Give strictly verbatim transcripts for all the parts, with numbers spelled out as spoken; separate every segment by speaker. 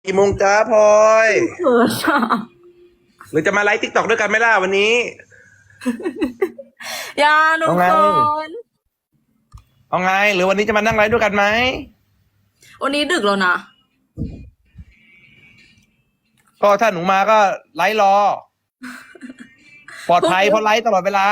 Speaker 1: กี่โมงจ้าพลอย
Speaker 2: เขินอ่ะ
Speaker 1: หรือจะมาไลฟ์ติ๊กต็อกด้วยกันไหมล่ะวันนี้
Speaker 2: อย่าหนู
Speaker 1: เอาไง
Speaker 2: เขิน
Speaker 1: เอาไง หรือวันนี้จะมานั่งไลฟ์ด้วยกันไหม
Speaker 2: วันนี้ดึกแล้วนะ
Speaker 1: ก็ถ้าหนูมาก็ไลฟ์รอ ปลอดภัยเพราะไลฟ์ตลอดเวลา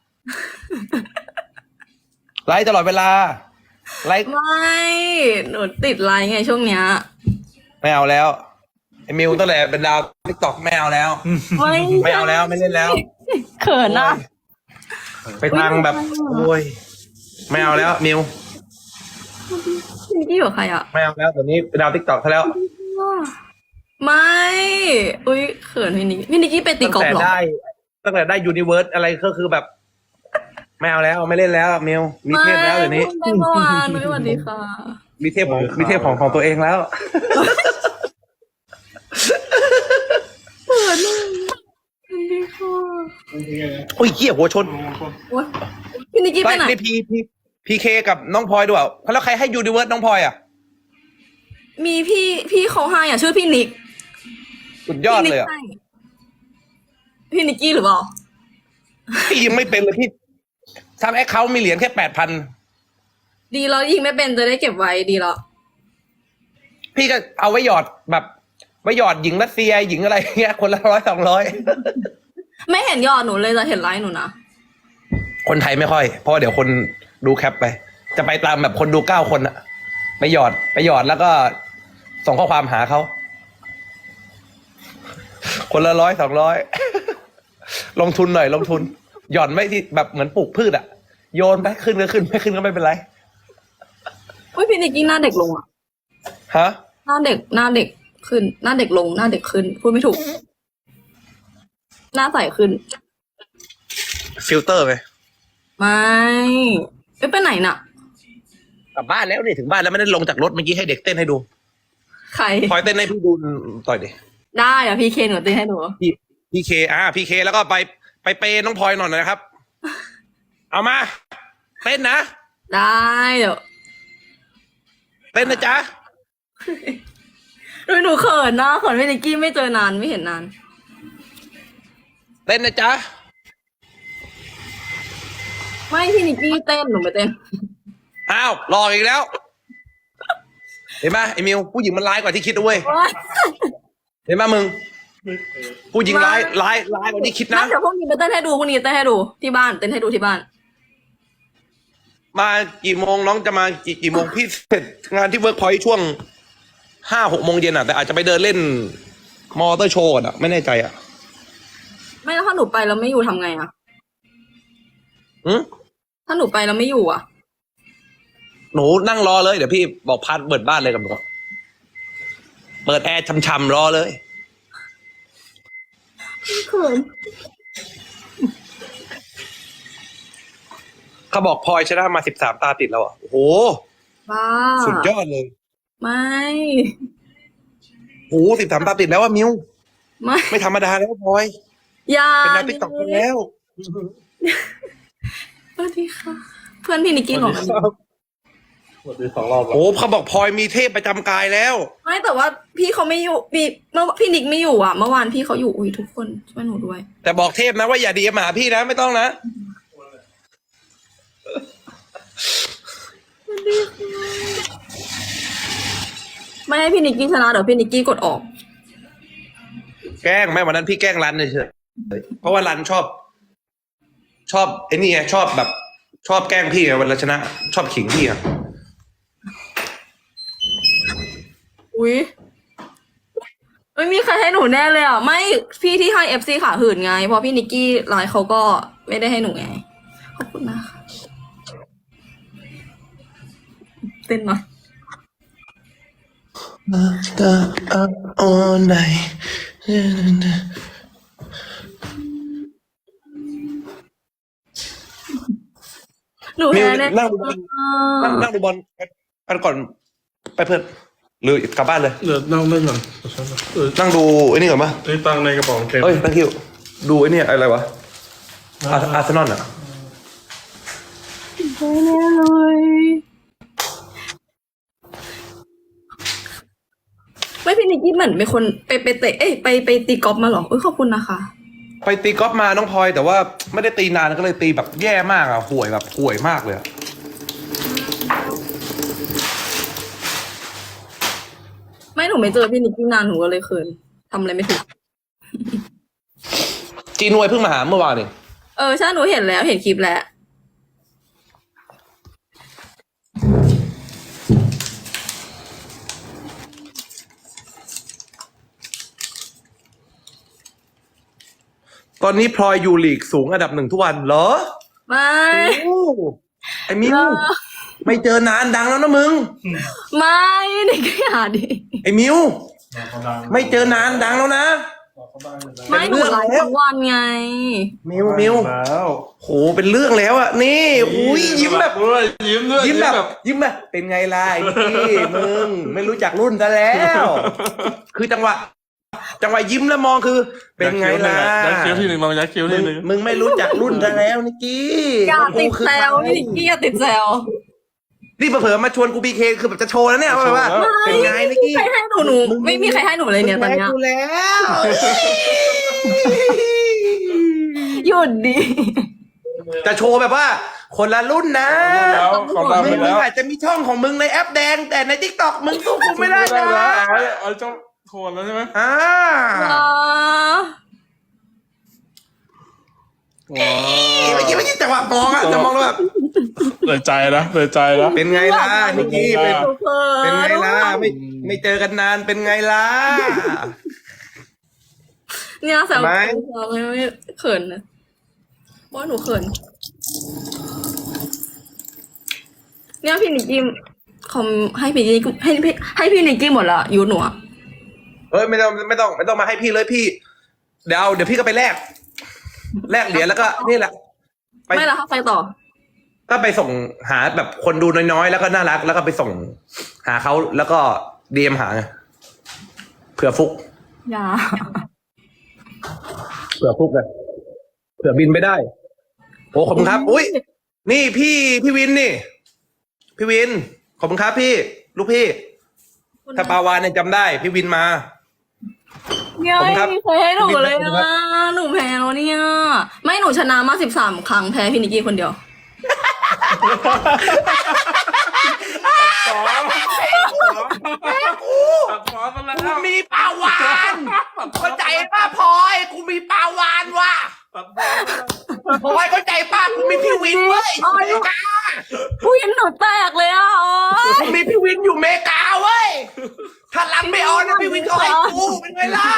Speaker 1: ไลฟ์ตลอดเวลา ไลฟ์
Speaker 2: ไม่ หนูติดไลน์ไงช่วงเนี้ย
Speaker 1: ไม่เอาแล้วไอ้มิวตั้งแต่เป็นดาวติ๊กต็อกไม่เอาแล้ว
Speaker 2: ไม่
Speaker 1: ไม่เอาแล้วไม่เล่นแล้ว
Speaker 2: เขินอ่ะ
Speaker 1: ไปทางแบบโอ้ยไม่เอาแล้วมิว
Speaker 2: พี่นิกกี้อยู่กับใครอ่ะ
Speaker 1: ไม่เอาแล้วตอนนี้เป็นดาวติ๊กต็อกซะแล้ว
Speaker 2: ไม่ อุ้ยเขินพี่นิกกี้พี่นิกกี้ไปตี
Speaker 1: ตั้ง
Speaker 2: กอล์ฟ
Speaker 1: แต่
Speaker 2: เหรอ
Speaker 1: ได้ตั้งแต่ได้ยูนิเวิร์สอะไรก็คือแบบ ไม่เอาแล้วไม่เล่นแล้วมิวมีเทพแล้วเดี๋ยวนี้
Speaker 2: ไม่เมื่อวานนุ้ยสวัสดีค่ะ
Speaker 1: มีเทพของมีเทพของของตัวเองแล้ว
Speaker 2: เขินอ่ะสวัสดีค่ะ
Speaker 1: โอ้ยเหี้ยหัวชน
Speaker 2: โอ๊ยพี่นิกกี้ไป
Speaker 1: ไล่
Speaker 2: ไหน
Speaker 1: ในพีพีพีเคกับน้องพลอยด้วยแล้วใครให้ยูนิเวิร์สน้องพลอยอ่ะ
Speaker 2: มีพี่พี่เขาให้อ่ะชื่อพี่นิก
Speaker 1: สุดยอดเลยอ่ะ
Speaker 2: พี่นิกกี้หรือเปล่า
Speaker 1: พี่ยังไม่เป็นเลยพี่ทำแอคเคาท์มีเหรียญแค่แปดพัน
Speaker 2: ดีแล้วยิงไม่เป็นจะได้เก็บไว้ดีแล้ว
Speaker 1: พี่ก็เอาไว้หยอดแบบไว้หยอดหญิงรัสเซียหญิงอะไรเงี้ยคนละร้อยสองร้อย
Speaker 2: ไม่เห็นยอดหนูเลยจะเห็นไลน์หนูนะ
Speaker 1: คนไทยไม่ค่อย เพราะเดี๋ยวคนดูแคปไป จะไปตามแบบคนดูเก้าคนอะไปหยอดไปหยอดแล้วก็ส่งข้อความหาเขา คนละร้อยสองร้อย ลงทุนหน่อยลงทุน หย่อนไม่ที่แบบเหมือนปลูกพืชอะโยนไปขึ้นก็ขึ้นไม่ขึ้นก็ไม่เป็นไร
Speaker 2: อุ้ยพี่นิกกี้หน้าเด็กลงอ่ะ
Speaker 1: ฮะ
Speaker 2: หน้าเด็กหน้าเด็กขึ้น หน้าเด็กลงหน้าเด็กขึ้นพูดไม่ถูก หน้าใสขึ้น
Speaker 1: ฟิลเตอร์ไป
Speaker 2: ไม่ไม่ไปไหนน่ะ
Speaker 1: กลับบ้านแล้วนี่ถึงบ้านแล้วไม่ได้ลงจากรถเมื่อกี้ให้เด็กเต้นให้ดู
Speaker 2: ใคร
Speaker 1: พลอยเต้นให้พี่ดูต่อยดิ
Speaker 2: ได้เดี๋ยวพี่เคนหนูเต้นให้หนู
Speaker 1: พี่พี่เคอ่าพี่เคแล้วก็ไปไปเปย์น้องพลอยหน่อยนะครับ เอามาเต้นนะ
Speaker 2: ได้เดี๋ยว
Speaker 1: เต้นนะจ๊ะ
Speaker 2: หนูหนูเขินนะเขินพี่นิกกี้ไม่เจอนานไม่เห็นนาน
Speaker 1: เต้นนะจ๊ะ
Speaker 2: ไม่พี่นิกกี้เต้นหนูไม่เต้น
Speaker 1: อ้าวหลอกอีกแล้ว เห็นไหมไอ้มิวผู้หญิงมันร้ายกว่าที่คิดนะเว้ยเห็นไหมมึง ผู้หญิงร้ายร้ายร้ายกว่าที่คิด
Speaker 2: นั่
Speaker 1: นะ
Speaker 2: นเดี๋ยวพรุ่งนี้ไปเต้นให้ดูพรุ่งนี้เต้นให้ดูที่บ้านเต้นให้ดูที่บ้าน
Speaker 1: มากี่โมงน้องจะมากี่กี่โมงพี่เสร็จงานที่เวิร์กพอยต์ช่วงห้าหกโมงเย็นอ่ะแต่อาจจะไปเดินเล่นมอเตอร์โชว์อ่ะไม่แน่ใจอ่ะ
Speaker 2: ไม่แล้วถ้าหนูไปแล้วไม่อยู่ทำไงอะ
Speaker 1: อืม
Speaker 2: ถ้าหนูไปแล้วไม่อยู่อะ
Speaker 1: หนูนั่งรอเลยเดี๋ยวพี่บอกพัดเปิดบ้านเลยกับหนูเปิดแอร์ช่ำๆรอเลย
Speaker 2: เขิน
Speaker 1: เขาบอกพลอยชนะมาสิบสามตาติดแล้วอ่ะโอ้โห
Speaker 2: บ้า
Speaker 1: สุดยอดเลย
Speaker 2: ไม่
Speaker 1: โอ้โหสิบสามตาติดแล้วอ่ะมิว
Speaker 2: ไม่
Speaker 1: ไม่ธรรมดาแล้วพลอย
Speaker 2: อย่า
Speaker 1: เป็นดาวติ๊กต็อกไปแล้ว
Speaker 2: สวัสดีค่ะ เพื่อนพี่นิกกี้หรอ
Speaker 3: หมดไปสองรอบแล้ว
Speaker 1: โอ้เขาบอกพลอยมีเทพประจำกายแล้ว
Speaker 2: ไม่แต่ว่าพี่เขาไม่อยู่พี่เมื่อพี่นิกไม่อยู่อ่ะ เมื่อวานพี่เขาอยู่อุ้ยทุกคนช่วยหนูด้วย
Speaker 1: แต่บอกเทพนะว่าอย่าดีมาหาพี่นะไม่ต้องนะ
Speaker 2: ไม่ให้พี่นิกกี้ชนะเดี๋ยวพี่นิกกี้กดออก
Speaker 1: แกล้งแม่วันนั้นพี่แกล้งรันเฉยๆเพราะว่ารันชอบ ชอบไอ้นี่ไงชอบแบบ ชอบแกล้งพี่ไงวันละชนะ ชอบขิงพี่อ่ะ
Speaker 2: อุ้ยไม่มีใครให้หนูแน่เลยอ่ะ ไม่พี่ที่ให้เอฟซีขาหื่นไงเพราะพี่นิกกี้ไลน์เขาก็ไม่ได้ให้หนูไงขอบคุณนะคะเต้นหน่อย
Speaker 1: The up all night
Speaker 2: หนู
Speaker 1: มิว
Speaker 2: แพ้แน่
Speaker 1: นั่งดูบอลนั่งนั่งดูบอลกันก่อนไปเพื่อนหรือกลับบ้านเลย
Speaker 3: เดี๋ยวนั่งเล่นก่อนเออ
Speaker 1: นั่งดูไอ้นี่ก่อนปะ
Speaker 3: ไอ้ตังค์ในกระเป๋าเกม
Speaker 1: เอ้ยตั้งคิวดูไอ้นี่อะไรวะอาร์อาร์เซนอลอ่ะ
Speaker 2: แพ้แน่เลยไม่ไม่พี่นิกกี้เหมือนเป็นคนไปไปเตะเอ้ยไปไปตีกอล์ฟมาเหรอเอ้ยขอบคุณนะคะ
Speaker 1: ไปตีกอล์ฟมาน้องพลอยแต่ว่าไม่ได้ตีนานก็เลยตีแบบแย่มากอะห่วยแบบห่วยมากเลยอะ
Speaker 2: ไม่หนูไม่เจอพี่นิกกี้นานหนูก็เลยเขินทำอะไรไม่ถูก
Speaker 1: จีนวยเพิ่งมาหาเมื่อวานเอง
Speaker 2: เออใช่หนูเห็นแล้วเห็นคลิปแล้ว
Speaker 1: ตอนนี้พลอยอยู่ลีกสูงอันดับหนึ่งทุกวันเหรอ
Speaker 2: ไม่
Speaker 1: โอ้ไอ้มิว
Speaker 2: เออ
Speaker 1: ไม่เจอนานดังแล้วนะมึง
Speaker 2: ไม่นิกกี้อย่าดิ
Speaker 1: ไอ้มิว
Speaker 3: เขาดัง
Speaker 1: ไม่เจอนานดังแล้วนะ
Speaker 3: เขาดังอยู่แล้ว
Speaker 2: ไม่หนูไลฟ์ทั้งวันไง
Speaker 1: มิวมิว
Speaker 3: แล้ว
Speaker 1: โหเป็นเรื่องแล้วอะนี่อุ้ยยิ้มแบบ
Speaker 3: ด้วยยิ้มด้วย
Speaker 1: ยิ้มแบบยิ้มแบบเป็นไงล่ะไอ้นี่มึงไม่รู้จักรุ่นซะแล้ว คือจังหวะ จังหวะยิ้มแล้วมองคือ เป็นไงล่ะ
Speaker 3: ยักคิ้วทีหนึ่งลองยักคิ้ว
Speaker 1: มึ
Speaker 3: ที
Speaker 1: ง
Speaker 3: หนึ่ง
Speaker 1: มึงไม่รู้จักรุ่นซะแล้วนิกกี้
Speaker 2: อย่าติด
Speaker 1: กูคือ
Speaker 2: แซว
Speaker 1: ใคร
Speaker 2: พี่นิกกี้อย่าติดแซว
Speaker 1: นี่เผลอๆมาชวนกูบีเคคือแบบจะโชว์แล้วเนี่ยว่าแบบว่า เป็นไงนิกกี้
Speaker 2: ใครให้หนูหนูไม่มีใครให้หนูเลยเนี่ยตอนเนี้ย
Speaker 1: กูแล้ว
Speaker 2: หยุดดิ
Speaker 1: จะโชว์แบบว่า คนละรุ่นนะ
Speaker 3: แล้วเขาดัง
Speaker 1: มึ
Speaker 3: ไป
Speaker 1: งมึ
Speaker 3: แล้
Speaker 1: ง
Speaker 3: ว
Speaker 1: อาจจะมีช่องของมึงในแอปแดง แต่ในทิกตอกมึงสู้กูไม่ได้
Speaker 3: ไม่
Speaker 1: นะ
Speaker 3: ได้แล้วเอาเอาเจ้าโทนแล้วใช่ไหม
Speaker 1: อ่า
Speaker 2: อ่า
Speaker 3: ว้า
Speaker 1: เมื่อกี้ไม่ใช่จังหวะมองอะจะมองแล้วแบบ
Speaker 3: เลยใจนะเลยใจนะ
Speaker 1: เป็นไงล่ะนิกกี้เป็น
Speaker 2: หนูเขิน
Speaker 1: เป็นไงล่ะไม่ไม่เจอกันนานเป็นไงล่ะ
Speaker 2: เนี่ยแซว
Speaker 1: ทำไม
Speaker 2: ไม่ไม่เขินนะว่าหนูเขินเนี่ยพี่นิกกี้คอมให้พี่นิกกี้ให้พี่ให้พี่นิกกี้หมดละยูหนูอะ
Speaker 1: เอ้ยไม่ต้องไม่ต้องไม่ต้องมาให้พี่เลยพี่เดี๋ยวเอาเดี๋ยวพี่ก็ไปแลกแลกเหรียญแล้วก็นี่แหละ ไป
Speaker 2: ไม่ละค่ะไปต่อ
Speaker 1: ก็ไปส่งหาแบบคนดูน้อยๆ แล้วก็น่ารัก แล้วก็ไปส่งหาเขาแล้วก็ดีเอ็มหาไงเผื่อฟุก
Speaker 2: อย่า
Speaker 1: เผื่อฟุกเลยเผื่อบินไปได้ โอ้ขอบคุณครับ อุ้ยนี่พี่พี่วินนี่ พี่วิน ขอบคุณครับพี่ ลูกพี่ ถ้าปาวานเนี่ยจำได้ พี่วินมา
Speaker 2: เนี่ย
Speaker 1: ขอบคุณครับ
Speaker 2: ไม่มีใครให้หนูเลย
Speaker 1: ขอบคุณครั
Speaker 2: นะ
Speaker 1: บ
Speaker 2: หนูแพ้แล้วเนี่ย ไม่หนูชนะมาสิบสามครั้งแพ้พี่นิกกี้คนเดียว
Speaker 3: สอง
Speaker 1: แม่กู
Speaker 3: สองกันแล้ว
Speaker 1: กูมีปลาวานเข้าใจป้าพลอยกูมีปลาวานว่ะพลอยเข้าใจป้ากูมีพี่วินเว้ยอยู่อเมริกา
Speaker 2: ผู้หญิงหนูแตกเลยอ่ะโอ๊ย
Speaker 1: กูมีพี่วินอยู่อเมริกาเว้ยถ้ารับไม่ออนนะพี่วินเขาให้กูเป็นไงล่ะ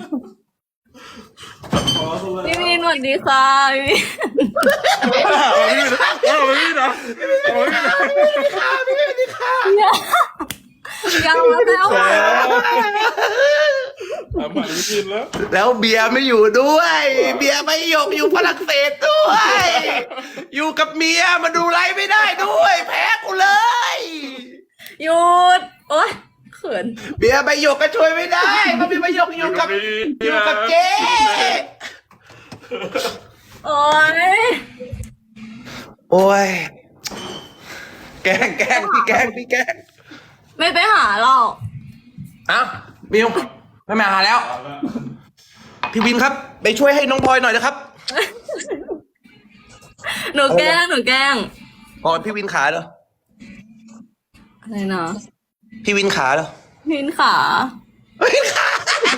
Speaker 2: พี่วินสวัสดีค่ะพี่วิน
Speaker 3: เอาไปพี่นะเอาไปพี่นะ
Speaker 2: อย่าอย่ามาแล้วอ่ะ
Speaker 3: เอาไปพี่แล้ว
Speaker 1: แล้วเบียร์ไม่อยู่ด้วย เบียร์ไม่หยกอยู่ฝรั่งเศสด้วย อยู่กับเมียมาดูไลฟ์ไม่ได้ด้วย แพ้กูเลย
Speaker 2: หยุดโอ๊ยเขิน
Speaker 1: เบียร์ใบหยกก็ช่วยไม่ได้มันเป็นใบหยกอยู่กับอยู่กับเจ๊
Speaker 2: โอ๊ย
Speaker 1: โอ้ยแกล้งแกล้งพี่แกล้งพี่แกล้ง
Speaker 2: ไม่ไปหาหรอก
Speaker 1: อ้าวมิวไม่มาหาแล้ว พี่วินครับ ไปช่วยให้น้องพลอยหน่อยนะครับ
Speaker 2: หนูแกล้งหนูแกล้ง
Speaker 1: อ๋อพี่วินขาเหรอ
Speaker 2: อะไรนะ
Speaker 1: พี่วินขาเหรอ
Speaker 2: พินขา
Speaker 1: วินขา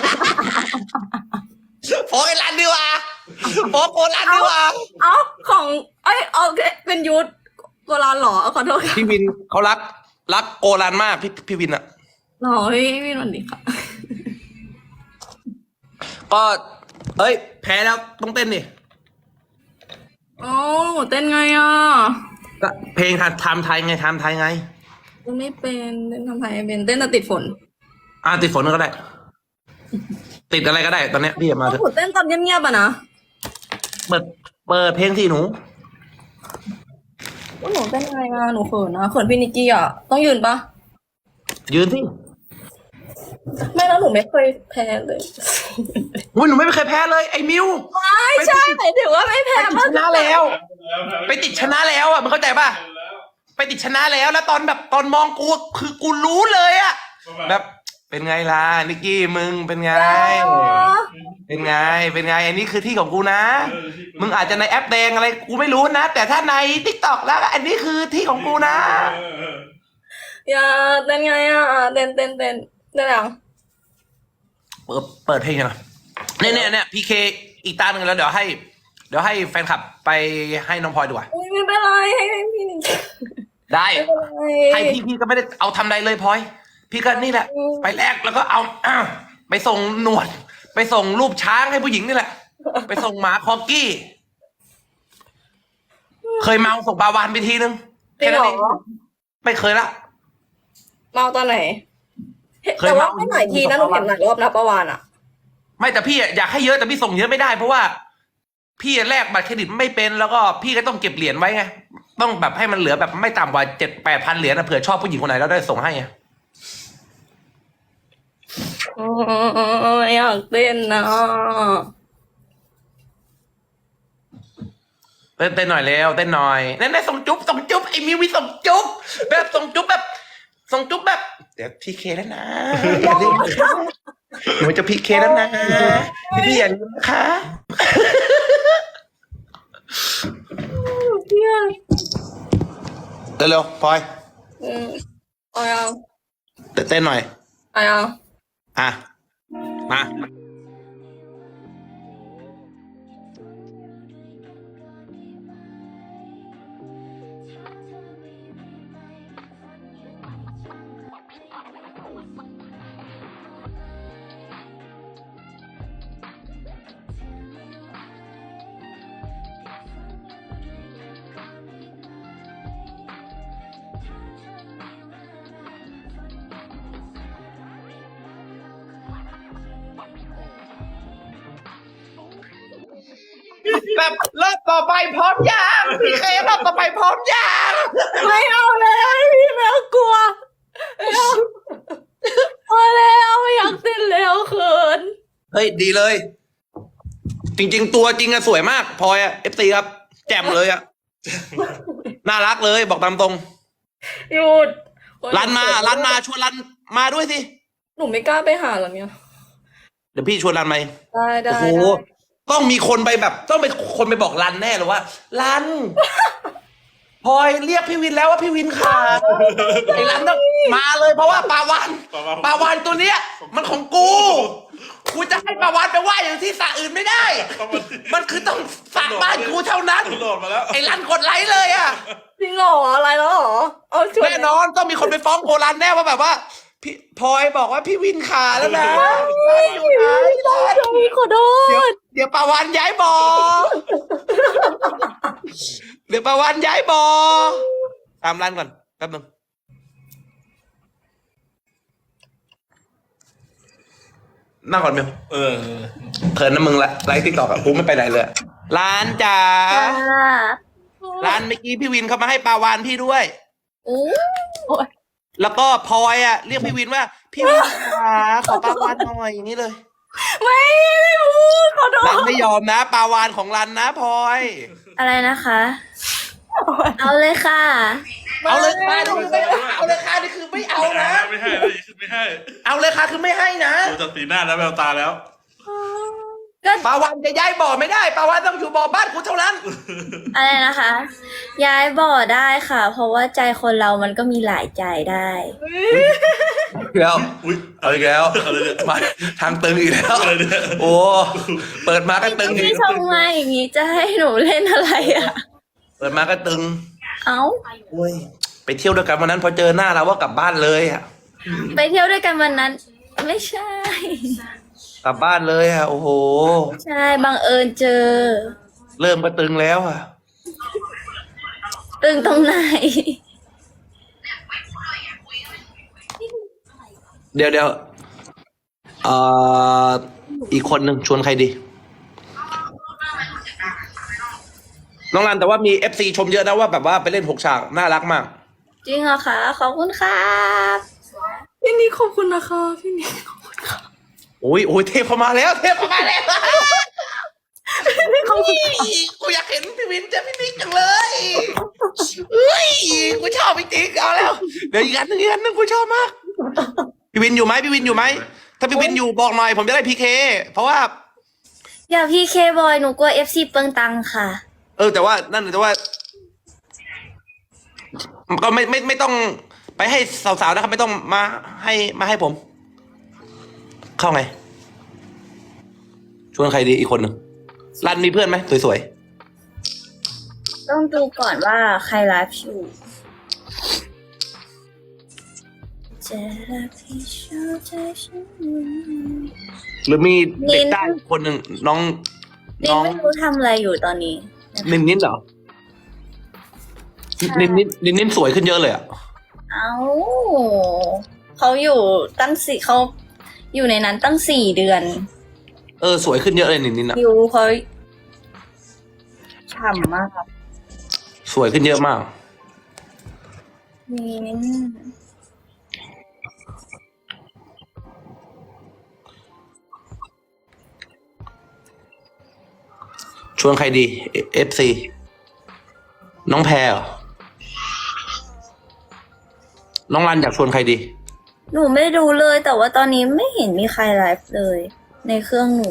Speaker 1: โอ้ยรันดีกว่าโอ้โกรันดีกว่า
Speaker 2: เอ้าของเอ้ยเอาเป็นยุทธโบราณเหรอขอโทษค่ะ
Speaker 1: พี่วินเขารัก รักโกรันมากพี่พี่วินอะ
Speaker 2: หรอพี่วินสวัสดีค่ะ
Speaker 1: ก็เอ้ย แพ้แล้วต้องเต้นดิ
Speaker 2: อ๋อหนูเต้นไงอ่ะ
Speaker 1: ก็เพลงทำไทยไงทำไทยไง
Speaker 2: เต้นไม่เป็นเต้นทำไมไม่เป็นเต้นแต่ติดฝน
Speaker 1: อ่าติดฝนก็ได้ ติดอะไรก็ได้ ตอนเนี้ยพี่มาเถ
Speaker 2: หนู
Speaker 1: อะ
Speaker 2: เต้นตอนเงียบๆอ่ะนะ
Speaker 1: เปิดเปิดเพลงที่หนู
Speaker 2: ว่าหนูเต้นยังไงอ่ะหนูเขินนะเขินพี่นิกกี้อ่ะต้องยืนปะ
Speaker 1: ยืนสิ
Speaker 2: ไม่แล้วหนูไม่เคยแพ้เลย
Speaker 1: อุ้ยหนูไม่เคยแพ้เลยไอ้มิว
Speaker 2: ไม่ใช่หมายถึงว่าไม่แพ้
Speaker 1: ไปติดชนะแล้ว ไปติดชนะแล้วอ่ะมึงเข้าใจป่ะ ไปติดชนะแล้วแล้วตอนแบบตอนมองกูคือกูรู้เลยอ่ะแบบไปเป็นไงล่ะนิกกี้มึงเป็นไง เป็นไง เป็นไง อันนี้คือที่ของกูนะ มึงอาจจะในแอปแดงอะไรกูไม่รู้นะ แต่ถ้าในทิกตอกแล้วอันนี้คือที่ของกูนะ
Speaker 2: อย่าเต้นไงอ่ะเต้นเต้นเต้นเต้นยัง
Speaker 1: เปิดเปิดเพลงนะเนี่ยเนี่ยเนี่ยพีเคอีกตาหนึ่งแล้วเดี๋ยวให้ เดี๋ยวให้แฟนคลับไปให้น้องพลอยดีกว่า
Speaker 2: อุ้ยไม่เป็นไรให้ให้พี่นิกกี้
Speaker 1: ได้
Speaker 2: ไม่เป็นไร
Speaker 1: ให้พี่พี่ก็ไม่ได้เอาทำใดเลยพลอย พี่ก็นี่แหละ
Speaker 2: อืม
Speaker 1: ไปแลกแล้วก็เอาอ้าวไปส่งหนวด ไปส่งรูปช้างให้ผู้หญิงนี่แหละ ไปส่งหมาคอกี้ เคยเมาส่งปลาวานไปทีนึง
Speaker 2: จริงเหร
Speaker 1: แค่นั้นเอ
Speaker 2: อ
Speaker 1: ไม่เคยละ
Speaker 2: เมาตอนไหน
Speaker 1: เคย
Speaker 2: แต่ว่า
Speaker 1: เมา
Speaker 2: ไม่หลายทีนะหนูเห็นหลายรอบนะประวานอ่ะ
Speaker 1: ไม่แต่พี่อะอยากให้เยอะแต่พี่ส่งเยอะไม่ได้เพราะว่า พี่แลกบัตรเครดิตไม่เป็นแล้วก็พี่ก็ต้องเก็บเหรียญไว้ไงต้องแบบให้มันเหลือแบบไม่ต่ำกว่าเจ็ดแปดพันเหรียญนะเผื่อชอบผู้หญิงคนไหนแล้วได้ส่งให้ไง
Speaker 2: อ๋ออยากเต้นนะ
Speaker 1: เต้นเต้นหน่อยเร็วเต้นหน่อยเน่นๆส่งจุ๊บส่งจุ๊บไอ้มิววิส่งจุ๊บแบบส่งจุ๊บแบบส่งจุ๊บแบบเดี๋ยวพีเคแล้วนะอย่าลืมนะคะหนูจะพีเคแล้วนะพี่อย่าลืมนะคะ
Speaker 2: เพื่อน
Speaker 1: เร็วๆพลอย
Speaker 2: อืมเอายัง
Speaker 1: เต้นหน่อย
Speaker 2: เอายัง
Speaker 1: อ่ะมา แบบรอบต่อไปพร้อมยังพีเครอบต่อไปพร้อมยัง
Speaker 2: ไม่เอาเลยพี่แมวกลัวไม่เอาพอแล้วไม่อยากเต้นแล้วเขิน
Speaker 1: เฮ้ยดีเลย จริง ๆ ตัวจริงอะสวยมากพลอยอะเอฟซีครับ แจ่มเลยอะน่ารักเลยบอกตามตรง
Speaker 2: หยุด
Speaker 1: รันมารันมาชวนรันมาด้วยสิ
Speaker 2: หนูไม่กล้าไปหาหรอเนี่ย
Speaker 1: เดี๋ยวพี่ชวนรันมา
Speaker 2: ได้ได้
Speaker 1: โอ้โห
Speaker 2: ได้
Speaker 1: ต้องมีคนไปแบบ ต้องเป็นคนไปบอกรันแน่เลยว่ารันพลอยเรียกพี่วินแล้วว่าพี่วินขาดไอ้รันต้องมาเลยเพราะว่าปลาวานปลาวานตัวเนี้ย มันของกูกูจะให้ปลาวานไปว่ายอย่างที่สระอื่นไม่ได้ มันคือต้องสระบ้านกูเท่านั้น
Speaker 3: โหลดมาแล้ว
Speaker 1: ไอ้รันกดไลค์เลยอ่ะ
Speaker 2: จริงเหรออะไรแล้วเหรอเอาชวน
Speaker 1: แน่นอนต้องมีคนไปฟ้องโกรันแน่ว่าแบบว่าพี่พลอยบอกว่าพี่วินขาแล้วนะอยู่ไหนรัน
Speaker 2: ขอโท
Speaker 1: เดี๋ยว
Speaker 2: ษ
Speaker 1: เดี๋ยวปลาวานย้ายบ่อเดี๋ยวปลาวานย้ายบ่อตามรันก่อนแป๊บนึงนั่งก่อนเมล
Speaker 3: เออ
Speaker 1: เขินนะมึงละไลฟ์ติ๊กต็อกอะกูไม่ไปไหนเลยร้านจ๋าร้านเมื่อกี้พี่วินเขามาให้ปลาวานพี่ด้วย
Speaker 2: โอ้ย
Speaker 1: แล้วก็พลอยอะเรียกพี่วินว่า พี่วินขาขอปลาวานหน่อยอย่างนี้เลย
Speaker 2: ไม่ไม่พูดขอโท
Speaker 1: รั
Speaker 2: ษ
Speaker 1: นไม่ยอมนะปลาวานของรันนะพลอย
Speaker 4: อะไรนะคะ เอาเลยค่ะ
Speaker 1: เอาเลยค่ะนี่คือไม่เอาเลยค่ะนี่คือไม่เอานะ
Speaker 3: ไม่ให้ไม่ให้ไม่ให้
Speaker 1: เอาเลยค่ะคือไม่ให้นะ
Speaker 3: ดูจากสีหน้าแล้วแววตาแล้ว
Speaker 4: ก็
Speaker 1: ปลาวานจะย้ายบ่อไม่ได้ปลาวานต้องอยู่บ่อบ้านกูเท่านั้น
Speaker 4: อะไรนะคะ ย้ายบ่อได้ค่ะ เพราะว่าใจคนเรามันก็มีหลายใจได้
Speaker 1: แล้ว
Speaker 3: อุ้ย
Speaker 1: เอาอีกแล้ว
Speaker 3: อะไรเนี่ย
Speaker 1: มาทางตึงอีกแล้ว
Speaker 3: อะไรเนี่ย
Speaker 1: โอ้เปิดมาก็ตึงอี
Speaker 4: พี่
Speaker 1: ก
Speaker 4: ชมมาอย่างนี้จะให้หนูเล่นอะไรอ่ะ
Speaker 1: เปิดมาก็ตึง
Speaker 4: เอ้า
Speaker 1: โอ้ยไปเที่ยวด้วยกันวันนั้นพอเจอหน้าเราว่ากลับบ้านเลยอะ
Speaker 4: ไปเที่ยวด้วยกันวันนั้น ไม่ใช่
Speaker 1: กลับบ้านเลยอะโอ้โห
Speaker 4: ใช่บังเอิญเจอ
Speaker 1: เริ่มก็ตึงแล้วอะ
Speaker 4: ตึงตรงไหน
Speaker 1: เดี๋ยวเดี๋ยวเอ่ออีกคนหนึ่งชวนใครดี น้องรันแต่ว่ามีเอฟซีชมเยอะนะว่าแบบว่าไปเล่นหกฉากน่ารักมาก
Speaker 4: จริงเหรอคะ ขอบคุณครับ
Speaker 2: พี่นิกขอบคุณนะคะพี่นิกขอบคุณค่ะ
Speaker 1: โอ้ยโอ้ยเทพเข้ามาแล้วเทพเข้ามาแล้วกูอยากเห็นพี่วินเจอพี่นิกจังเลยเฮ้ยกูชอบจริงๆเอาแล้วเดี๋ยวอีกอันหนึงอีกอันหนึงกูชอบมากพี่วินอยู่ไหมพี่วินอยู่ไหมถ้าพี่วินอยู่บอกหน่อยผมจะได้พีเคเพราะว่า
Speaker 4: อย่าพี่เคบอยหนูกลัวเอฟซีเปิงตังค่ะ
Speaker 1: เออแต่ว่านั่นแต่ว่า ก็ไม่ไม่ไม่ต้องไปให้สาวๆนะครับ ไม่ต้องมาให้มาให้ผม เข้าไงชวนใครดีอีกคนหนึ่งรันมีเพื่อนไหมสวย
Speaker 4: ต้องดูก่อนว่าใครไลฟ์อยู่จะรักที่ชอบใจฉัน
Speaker 1: ๆหรือมีเด็กได้คนหนึ่งน้อง
Speaker 4: นี่
Speaker 1: น้อง
Speaker 4: ไม่รู้ทำอะไรอยู่ตอนนี้
Speaker 1: นินนินเหรอนินนินนินนินสวยขึ้นเยอะเลยอ่ะ
Speaker 4: เอ้าเขาอยู่ตั้งสี่เขาอยู่ในนั้นตั้งสี่เดือน
Speaker 1: เออสวยขึ้นเยอะเลยนินนินอ่ะ
Speaker 4: อยู่เขาฉ่ำมากครับ
Speaker 1: สวยขึ้นเยอะมาก
Speaker 4: มีนิด
Speaker 1: ชวนใครดีเอฟซีน้องแพรเหรอน้องรันอยากชวนใครดี
Speaker 4: หนูไม่ดูเลยแต่ว่าตอนนี้ไม่เห็นมีใครไลฟ์เลย ในเครื่องหนู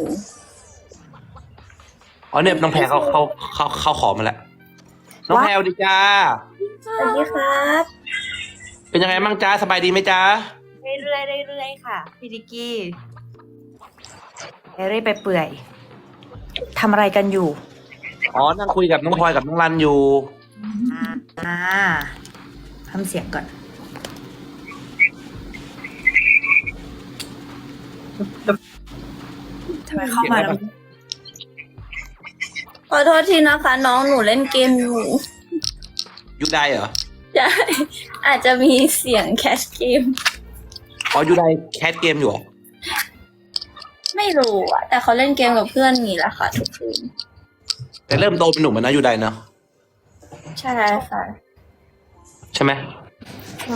Speaker 1: อ๋อเนี่ยน้องแพรเขาเขาเขาเขาขอมาแล้วน้องแพรสวัสดีจ้า
Speaker 4: สวัสดีครับ
Speaker 1: เป็นยังไงบ้างจ้าสบายดีไหมจ้า
Speaker 5: เรื่อยๆเรื่อยๆค่ะพี่ดิกกี้เรื่อยๆไปเปื่อยทำอะไรกันอยู่
Speaker 1: อ๋อนั่งคุยกับน้องพลอยกับน้องรันอยู่
Speaker 5: อ่าทำเสียงก่อนทำไมเข้ามาแล้ว
Speaker 4: ขอโทษทีนะคะ น้องหนูเล่นเกมอยู่
Speaker 1: ยูไดเหรอ
Speaker 4: ใช่อาจจะมีเสียงแคชเกม
Speaker 1: อ๋อยูไดแคสเกมอยู่เหรอ
Speaker 4: ไม่รู้อะแต่เขาเล่นเกมกับเพื่อนนี่แหละค่ะทุกคืน
Speaker 1: แต่เริ่มโตเป็นหนุ่มแล้วนะยูไดเนาะ
Speaker 4: ใช่ค่ะ
Speaker 1: ใช่ไหม
Speaker 4: ใช่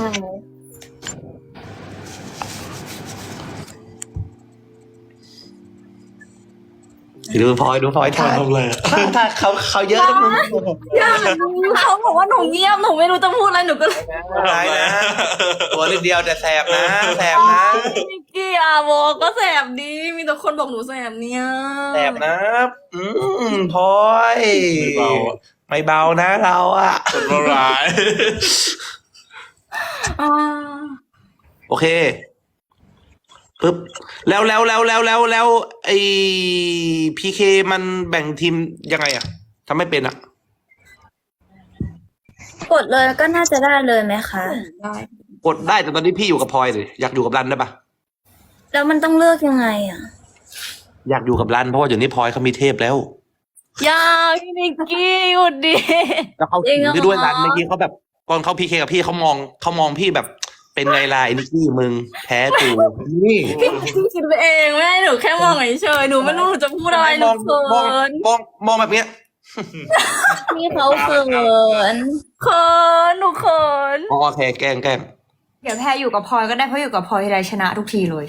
Speaker 1: ดูพลอยดูพลอยท่า
Speaker 3: ทำอะไรอะ
Speaker 1: ท่าท่าเขาเขาเยอะนะมึง
Speaker 2: เขาบอกว่าหนูเงียบหนูไม่รู้จะพูดอะไรหนูก็เลย
Speaker 1: ได้นะตัวนิดเดียวแต่แสบนะแสบนะ
Speaker 2: นิกกี้อาโวก็แสบดีมีแต่คนบอกหนูแสบเนี่ย
Speaker 1: แสบนะอืมพลอย
Speaker 3: ไม่เบาอะ
Speaker 1: ไม่เบานะเราอะ
Speaker 3: คนละร้าย
Speaker 2: อ่า
Speaker 1: โอเคปึ๊บแล้วแล้วแล้วแล้วแล้วแล้วไอพีเคมันแบ่งทีมยังไงอะทำไม่เป็นอะ
Speaker 4: กดเลยก็น่าจะได้เลยไหมคะ
Speaker 2: ได้
Speaker 1: กดได้แต่ตอนนี้พี่อยู่กับพลอยเลยอยากอยู่กับรันได้ปะ
Speaker 4: แล้วมันต้องเลือกยังไงอะ
Speaker 1: อยากอยู่กับรันเพราะว่าเดี๋ยวนี้พลอยเขามีเทพแล้ว
Speaker 2: อย่าพี่นิกกี้หยุดดิ
Speaker 1: แล้วเขาถึงได้ด้วยรันเมื่อกี้เขาแบบก่อนเขาพีเคกับพี่เขามองเขามองพี่แบบเป็นไงล่ะไอ้นิกกี้มึงแพ้ตูนี่
Speaker 2: พี่คิดไปเองแม่หนูแค่มองเฉยๆหนูไม่รู้หนูจะพูดอะไรห
Speaker 1: ม
Speaker 2: นู
Speaker 1: อง
Speaker 2: เขิ
Speaker 1: มอง
Speaker 2: น
Speaker 1: มองมองแบบเนี้ย
Speaker 4: พี่เขาเขิน
Speaker 2: เขินหนูเขิน
Speaker 1: อ๋อโอเคแกล้งแกล้ง
Speaker 5: เดี๋ยวแพรอยู่กับพลอยก็ได้เพราะอยู่กับพลอยทีไรชนะทุกทีเลย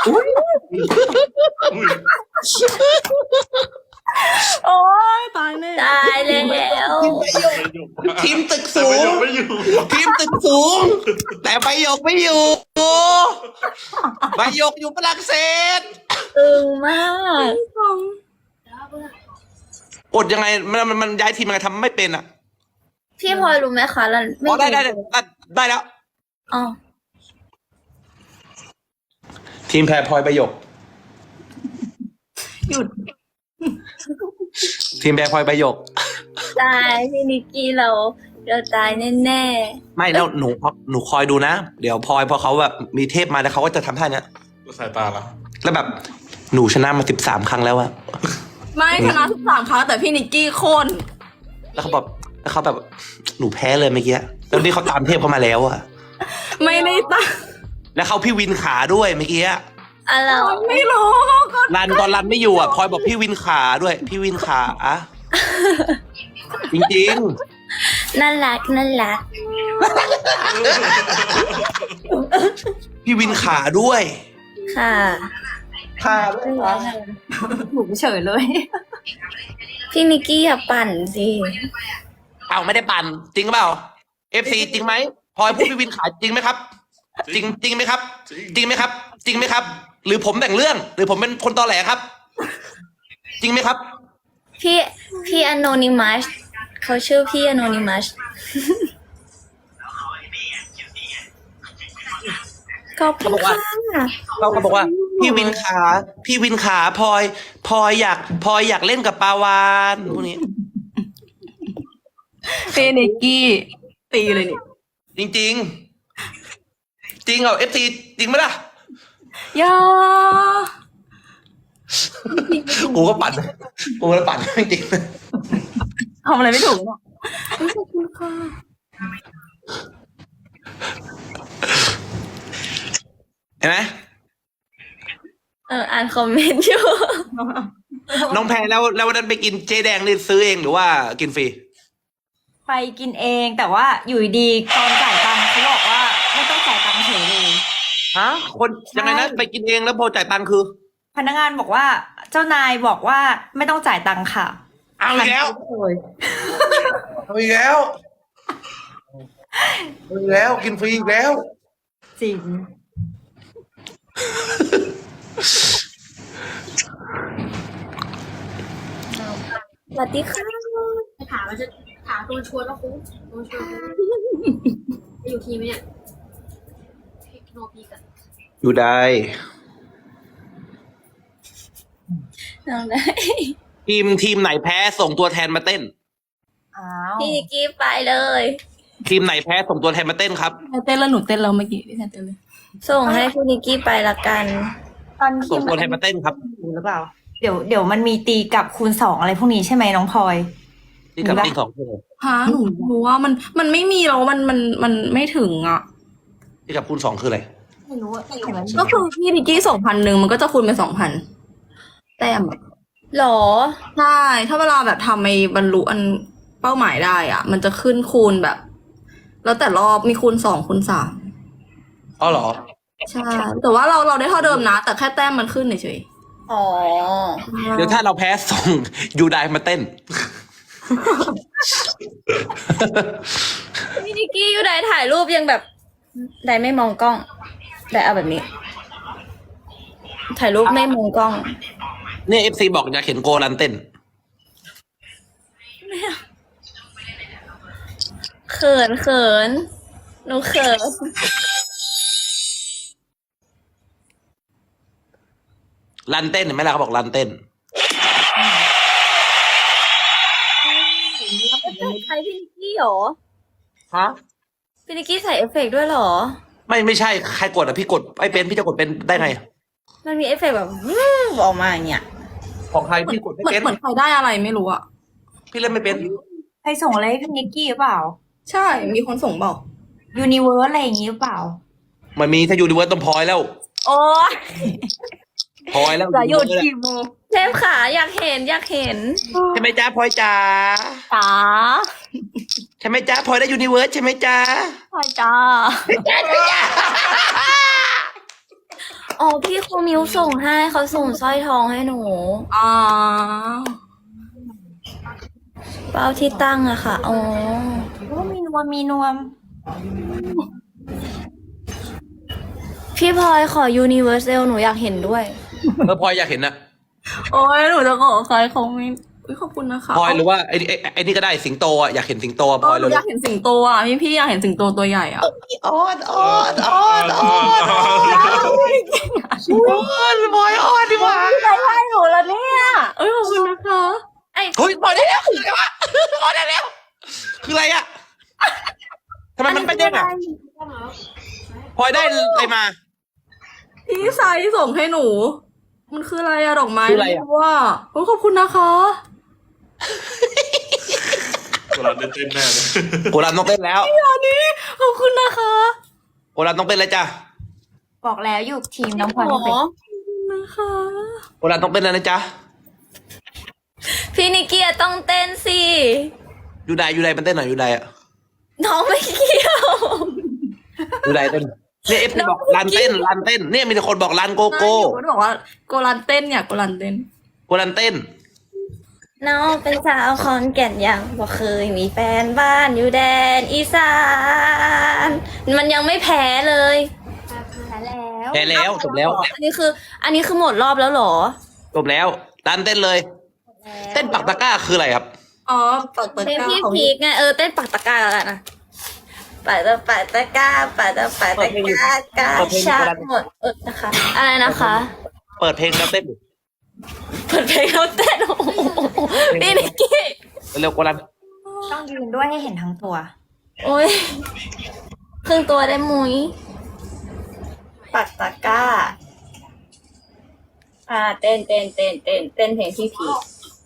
Speaker 2: โอ๊ยตายแน่
Speaker 4: ตายแล้ว
Speaker 1: ทีมตึกสูง
Speaker 3: ไม่อยู่
Speaker 1: ทีมตึกสูง แต่ใบหยกไม่อยู่ใบหยกอยู่ฝรั่งเศส
Speaker 4: ตึงมาก
Speaker 1: กดยังไงมันมันมันย้ายทีมยังไงทำไม่เป็นอ่ะ
Speaker 4: พี่พลอยรู้ไหมคะเราไม่
Speaker 1: อ๋อได้ได้ได้ได้ได้แล้ว
Speaker 4: อ๋อ
Speaker 1: ทีมแพรพลอยใบหยก
Speaker 2: หยุด
Speaker 1: ทีมแพรพลอยใบหยก
Speaker 4: ตายพี่นิกกี้เราเราตายแน่
Speaker 1: ไม่แล้วหนูหนูคอยดูนะ เดี๋ยวพลอยพอเขาแบบมีเทพมาแล้วเขาก็จะทำท่าเนี้ย
Speaker 3: สายตาละ
Speaker 1: แล้วแบบหนูชนะมาสิบสามครั้งแล้วอะ
Speaker 2: ไม่ชนะทุกสามครั้งแต่พี่นิกกี้โค่น
Speaker 1: แล้วเขาแบบแล้วเขาแบบหนูแพ้เลยเมื่อกี้แล้วนี่เขาตามเทพเขามาแล้วอะ
Speaker 2: ไม่ได้ตั้ง
Speaker 1: แล้วเขาพี่วินขาด้วยเมื่อกี้อะ
Speaker 4: ๆอะไร
Speaker 2: ไม่รู้ก็
Speaker 1: รันตอนรันไม่อยู่อะพลอยบอกพี่วินขาด้วย พี่วินขาอะจริง
Speaker 4: น่ารักน่ารัก
Speaker 1: ๆ พี่วินขาด้วย
Speaker 4: ค่ะ
Speaker 1: ขาด้วยเหรอ
Speaker 5: หนูเฉยเลย
Speaker 4: พี่นิกกี้อย่าปั่นสิ
Speaker 1: เอาไม่ได้ปั่นจริงเปล่าเอฟซีจริงไหมพลอยพูดพี่วินขาจริงไหมครับจริงจริงไหมครับ จริงไหมครับ จริงไหมครับ หรือผมแต่งเรื่อง หรือผมเป็นคนตอแหลครับ จริงไหมครับ
Speaker 4: พี่พี่อ n o นิมัสเขาชื่อพี่อ n o นิมัสขอบคุณค่ะ
Speaker 1: เขาก็บอกว่า พี่วินขาพี่วินขาพลอยพลอยอยากพลอยอยากเล่นกับปาวานพวกนี้
Speaker 2: เฟเนกกี้ตีเลยนี่
Speaker 1: จริงจริงๆจริงเหรอเอฟซีจริงไหมล่ะ
Speaker 2: อย่า
Speaker 1: กูก็ปั่นกูก็ปั่นจริง
Speaker 2: ทำอะไรไม่ถูกเนาะขอบคุณค่ะ
Speaker 1: เห็นไหม
Speaker 4: เอออ่านคอมเมนต์อยู่
Speaker 1: น้องแพรแล้วแล้ววันนั้นไปกินเจ๊แดงนี่ซื้อเองหรือว่ากินฟรี
Speaker 5: ไปกินเองแต่ว่าอยู่ดีๆตอนจ่ายตังค์เขาบอกว่าไม่ต้องจ่ายตังค์เฉยเลย
Speaker 1: ฮะคนยังไงนะไปกินเองแล้วพอจ่ายตังค์คือ
Speaker 5: พนักงานบอกว่าเจ้านายบอกว่าไม่ต้องจ่ายตังค์ค่ะ
Speaker 1: เอาอีกแล้ว
Speaker 5: หันไปเลย
Speaker 1: เอาอีกแล้วเอาอีกแล้วกินฟรีอีกแล้ว
Speaker 5: จริง
Speaker 4: สวัสดีค่ะ
Speaker 6: ถามมันจะถามตัวชวนว่าคุ้มตัวชวนคุ้มจะอยู่ทีมไหมเนี่ยโนพีกัน
Speaker 1: อยู่ได้
Speaker 4: น้องได้
Speaker 1: ทีมทีมไหนแพ้ส่งตัวแทนมาเต้น
Speaker 5: อ้าว
Speaker 4: พี่นิกกี้ไปเลย
Speaker 1: ทีมไหนแพ้ส่งตัวแทนมาเต้นครับ
Speaker 2: เต้นแล้วหนูเต้นแล้วเมื่อกี้พี่แทนเต้นเลย
Speaker 4: ส่งให้พี่นิกกี้ไปละกัน
Speaker 5: ตอน
Speaker 1: ส่
Speaker 5: ที่
Speaker 1: งตัวแทนมาเต้นครับ
Speaker 5: อยู่หรือเปล่า เดี๋ยวเดี๋ยวมันมีตีกลับคูณสองอะไรพวกนี้ใช่ไหมน้องพลอย
Speaker 1: ที่กับ
Speaker 5: มีปะ
Speaker 1: ตีสองคน
Speaker 2: ฮะหนูหนูว่ามันมันไม่มีแล้วมันมันมันไม่ถึงอ่ะ
Speaker 1: ที่กับคูณสองคืออะไร
Speaker 5: ไม่รู้อะเห็นมัน
Speaker 2: ก็คือพี่นิกกี้สองพันหนึ่งมันก็จะคูณเป็นสองพันแต้มอะ
Speaker 4: หรอ
Speaker 2: ใช่ถ้าเวลาแบบทำไอ้บรรลุอันเป้าหมายได้อ่ะ มันจะขึ้นคูณแบบ แล้วแต่รอบมีคูณสองคูณสาม
Speaker 1: อ๋อเหรอ
Speaker 2: ใช่ แต่ว่าเราเราได้เท่าเดิมนะ แต่แค่แต้มมันขึ้นเฉย
Speaker 4: อ๋อ
Speaker 2: ๆ
Speaker 1: เดี๋ยวถ้าเราแพ้ส่งยูไดมาเต้น
Speaker 4: พี่นิกกี้อยู่ไหนถ่ายรูปยังแบบไดไม่มองกล้องไดเอาแบบนี้ ถ่ายรูปไม่มองกล้อง
Speaker 1: เนี่ยเอฟซีบอกอยากเห็นโกรันเต้น
Speaker 4: เขินเขินหนูเขิน
Speaker 1: รันเต้นเห็นไหมล่ะเขาบอกรันเต้น
Speaker 4: ใครพี่นิกกี้หรอ
Speaker 1: ฮะ
Speaker 4: พี่นิกกี้ใส่เอฟเฟกต์ด้วยเหรอ
Speaker 1: ไม่ไม่ใช่ใครกดอ่ะพี่กดไอ้เป็นพี่จะกดเป็นได้ไง
Speaker 4: มันมีเอฟเฟกต์แบบวู้ออกมาอย่างเงี้ย
Speaker 1: ของใครพี่กดไม่
Speaker 2: เหมือน
Speaker 1: เป็น
Speaker 2: เหมือนใครได้อะไรไม่รู้อ่ะ
Speaker 1: พี่เล่นไม่เป็น
Speaker 5: ใครส่งอะไรให้พี่นิกกี้หรือเปล่า
Speaker 2: ใช่ มีคนส่งบอก
Speaker 5: ยูนิเวิร์สอะไรอย่างงี้หรือเปล่า
Speaker 1: มันมีถ้าอยู่ดีเวิร์สต้องพลอยแล้ว
Speaker 5: โอ้ย
Speaker 1: พลอยแล้ว
Speaker 2: จะหยุด
Speaker 1: เลย
Speaker 2: กี่โมง
Speaker 4: เทพขาอยากเห็นอยากเห็น
Speaker 1: ใช่ไหมจ้าพลอยจ๋า
Speaker 5: จ๋า
Speaker 1: ใช่ไหมจ้าพลอยได้ยูนิเวิร์สใช่ไหมจ้า
Speaker 5: พลอยจ้า
Speaker 4: อ๋อพี่ครูมิวส่งให้เขาส่งสร้อยทองให้หนู
Speaker 2: อ่า
Speaker 4: เป้าที่ตั้งอะค่ะ อ๋อ
Speaker 5: โอ้มีนวมมีนวม
Speaker 4: พี่พลอยขอ Universal หนูอยากเห็นด้วย
Speaker 1: เออพลอยอยากเห็นนะ
Speaker 2: โอ้ยหนูจะขอใครเขาไม่อุ๊ยขอบคุณนะคะ
Speaker 1: พลอยหรือว่าไอ้ไอ้ไอ้นี่ก็ได้สิงโตอ่ะอยากเห็นสิงโตอะพลอย
Speaker 2: ห
Speaker 1: เล
Speaker 2: นู
Speaker 1: ย
Speaker 2: อยากเห็นสิงโตอ่ะพี่พี่อยากเห็นสิงโตตัวใหญ่อ่ะ
Speaker 1: ออดออดออดออดออดพลอยออดดีกว่า
Speaker 5: ใครให้หนูแล้วเนี่ย
Speaker 2: เอ้ยขอบคุณนะคะ
Speaker 4: ไอ้
Speaker 1: เฮ้ยพลอยได้แล้วคืออะไรวะพลอยได้แล้ว คืออะไรอ่ะทำไมมันไม่เด้งอ่ะพลอยได้อะไรมา
Speaker 2: พี่ไซส์ส่งให้หนู มันคืออะไรอะดอกไม้
Speaker 1: คืออะไรอะ
Speaker 2: ม่ว่าโอ้ยขอบคุณนะคะ
Speaker 3: เวลาเต้นเต้นแน่เลย
Speaker 1: โกรันต้องเต้นแล้ว
Speaker 2: อันนี้ขอบคุณนะคะ
Speaker 1: โกรันต้องเต้นแล้วจ้ะ
Speaker 5: บอกแล้วอยู่ทีมน้องพลอย
Speaker 4: หม
Speaker 5: ไม่เป็น
Speaker 4: อ
Speaker 2: นะคะ
Speaker 1: โกรันต้องเต้นแล้วนะจ๊ะ
Speaker 4: พี่นิกกี้อะต้องเต้นสิ
Speaker 1: ยูไดยูไดมันเต้นหน่อยยูไดอ่ะ
Speaker 4: น้องไม่เกี่ยว
Speaker 1: ยูไดเต้นเนี่ยเอฟบอกรันเต้นรันเต้นเนี่ยมีแต่คนบอกรันโกโก้
Speaker 2: หนูบอกว่าโกลันเต้นเนี่ยโกลันเต้น
Speaker 1: โกรันเต้น
Speaker 4: น้องเป็นสาวขอนแก่นยังบอกเคยมีแฟนบ้านอยู่แดนอีสาน มันยังไม่แพ้เลย
Speaker 1: แพ้แล้วจบแล้ว
Speaker 4: อันนี้คือ อันนี้คือหมดรอบแล้วเหรอ
Speaker 1: จบแล้วตันเต้นเลย เต้นปักตะกร้าคืออะไรครับ
Speaker 2: อ๋อเปิดเปิด
Speaker 4: เพลง
Speaker 2: กล้า
Speaker 4: พี่
Speaker 2: ของ
Speaker 4: พีกไงเออเต้นปักตะกร้าแล้วกันนะปักตะปักตะกร้าปักตะปักตะกร้ากาชาหมดเออนะคะ อะไรนะคะ
Speaker 1: เปิดเพลงแล้วเต้น
Speaker 4: เปิดเพลงแล้วเต้นโอ้โหพี่นิกกี้
Speaker 1: เร็วกว่านั้น
Speaker 5: ต้องยืนด้วยให้เห็นทั้งตัว
Speaker 4: โอ้ยครึ่งตัวได้มุ้ยปักตะกร้าอ่าเต้นเต้นเต้นเต้นเต้นเพลงพี่พีก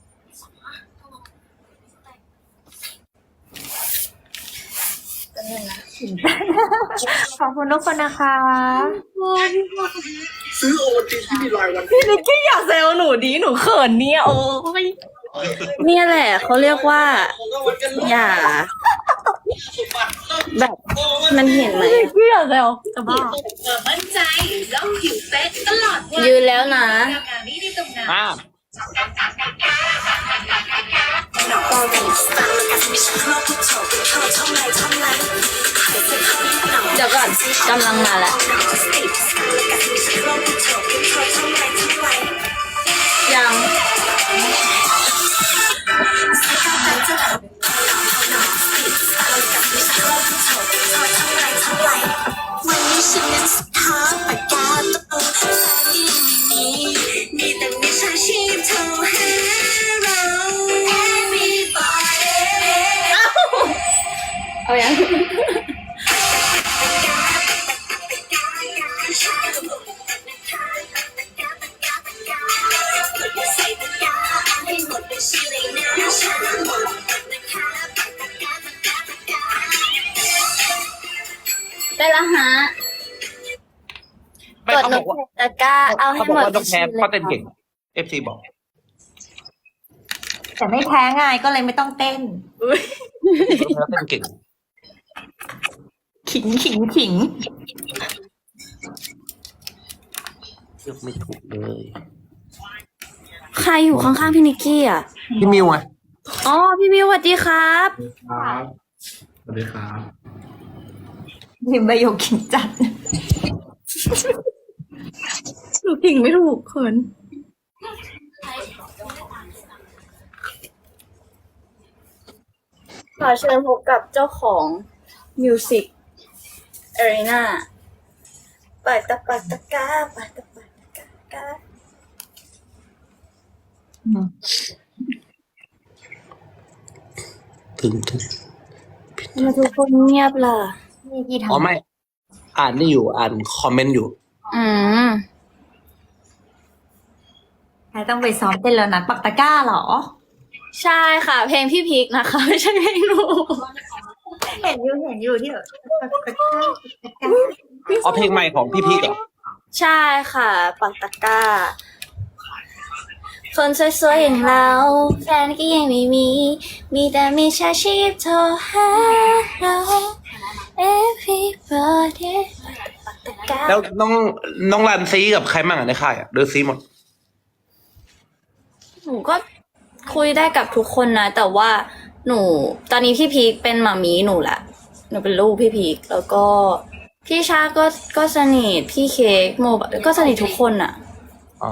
Speaker 5: ขอบคุณทุกคนนะคะ
Speaker 2: พี่นิกกี้อยากแซวหนูดีหนูเขินเนี่ยโอ้ย
Speaker 4: เนี่ยแหละเขาเรียกว่า อย่า แบบมันเห็นไหม
Speaker 2: พี่นิกกี้อยากแซว
Speaker 5: จะบ้า
Speaker 6: มั่นใจแล้วผิวเป๊ะตลอดวัน
Speaker 4: ยืนแล้วนะ
Speaker 6: งานนี้ที่ตรงนั้น
Speaker 1: อ่า
Speaker 4: เดี๋ยวก่อนกำลังมาแล้วยัง
Speaker 7: วันนี้ฉันนั้นสุดท้ายปากกาตัวแฟนที่ไม่มีมีแต่มิจฉาชีพโทรหาเรา Everybody
Speaker 4: เอายัง
Speaker 7: ใส่ปากกาให้หมดเป็นชื่อเลยนะฉันหมดนะคะปากกาปากกาปากกา
Speaker 4: ได้แล้วฮะ
Speaker 1: ไม่
Speaker 4: กด
Speaker 1: เขา
Speaker 4: น
Speaker 1: บ
Speaker 4: ก
Speaker 1: อกว่า
Speaker 4: ตะกร้าเอาให้
Speaker 1: เขาบ
Speaker 4: ห
Speaker 1: อก
Speaker 4: มด
Speaker 1: ว่าต้องแพ้เพราะเต้นเก่งเอฟซีบอก
Speaker 5: แต่ไม่แพ้ไงก็เลยไม่ต้องเต้น
Speaker 1: แล้วเต้นเก่ง
Speaker 5: ขิงขิงขิง
Speaker 1: เลือกไม่ถูกเลย
Speaker 4: ใครอยู่ข้างๆพี่นิกกี้อ่ะ
Speaker 1: พี่มิวไง
Speaker 4: อ๋อพี่มิวสวัสดีครับ
Speaker 3: ครับสวัสดีครับ
Speaker 5: พิมพ์ประโยคขิงจัด
Speaker 2: หนูผิงไม่ถูกเขิน
Speaker 4: ขอเชิญพบกับเจ้าของ Music Arena ปักตะปักตะกร้าปักตะปักตะกร้ากร้า
Speaker 1: ถึงถึง
Speaker 4: ทำไมทุกคนเงียบล่ะ
Speaker 5: นี่กี่ท
Speaker 1: อ๋อไม่ อ่านนี่อยู่อ่านคอมเมนต์อยู่
Speaker 4: อืม
Speaker 5: ำใครต้องไปซ้อมเต้นแล้วนะปักตะกร้าเหรอ
Speaker 4: ใช่ค่ะ เพลงพี่พีคนะคะ ไม่ใช่เพลงหนู
Speaker 5: เห็นอยู่เห็นอยู่ที่แบบปักตะกร้าปักตะกร้า
Speaker 1: อ๋อเพลงใหม่ของพี่พีกเหรอ
Speaker 4: ใช่ค่ะ ปักตะกร้า คนสวยๆอย่างเรา แฟนก็ยังไม่มี มีแต่มีชาชีพโทรหาเรา everybody ปักตะกร้า
Speaker 1: แล้วน้องน้องรันซีกับใครมั่งอ่ะในค่ายอ่ะหรือซีหมด
Speaker 4: หนูก็คุยได้กับทุกคนนะ แต่ว่าหนู ตอนนี้พี่พีคเป็นหมามีหนูแหละ หนูเป็นลูกพี่พีคแล้วก็พี่ชาก็ก็สนิทพี่เค้กโมบก็สนิททุกคนอะ
Speaker 1: อ๋อ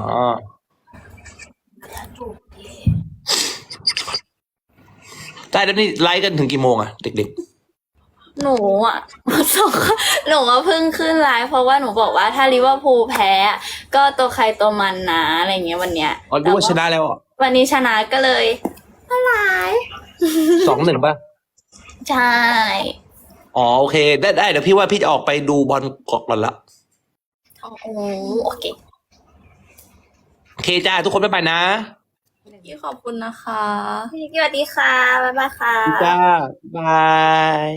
Speaker 1: ได้แล้วนี่ไลฟ์กันถึงกี่โมงอ่ะ เด็ก
Speaker 4: หนูอ่ะ สองหนูว่าเพิ่งขึ้นไลฟ์เพราะว่าหนูบอกว่าถ้าลิเวอร์พูลแพ้อะก็ตัวใครตัวมันนะอะไรเงี้ยวันเนี้ย
Speaker 1: ๆอ๋อรู้ว่าชนะแล้วอ่ะ
Speaker 4: วันนี้ชนะก็เลยมาไลฟ์
Speaker 1: สองหนึ่งป่ะ
Speaker 4: ใช่
Speaker 1: อ๋อโอเค ได้ได้เดี๋ยวพี่ว่าพี่จะออกไปดูบอลกอกก่อนละ
Speaker 4: โอ้โอเค
Speaker 1: โอเคจ้าทุกคนบ๊ายบายนะ
Speaker 2: พี่ขอบคุณนะคะ
Speaker 4: พี่นิกกี้สวัสดีค่ะบ๊ายบายค่ะ
Speaker 1: จ้าบาย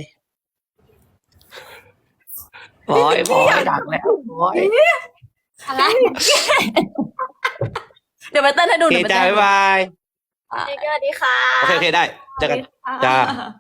Speaker 1: บอยบอยดักแล้วบอย
Speaker 4: อะไร
Speaker 2: เดี๋ยวไปเต้นให้ดู
Speaker 1: โอเค
Speaker 2: เดี๋ยวไป
Speaker 1: จ้า
Speaker 2: เต้นให้
Speaker 1: บ๊าย
Speaker 2: ดู
Speaker 1: บาย
Speaker 4: พี่นิกกี้สวัสดีค่ะ
Speaker 1: โอเคโอเคได้เจอกันจ้า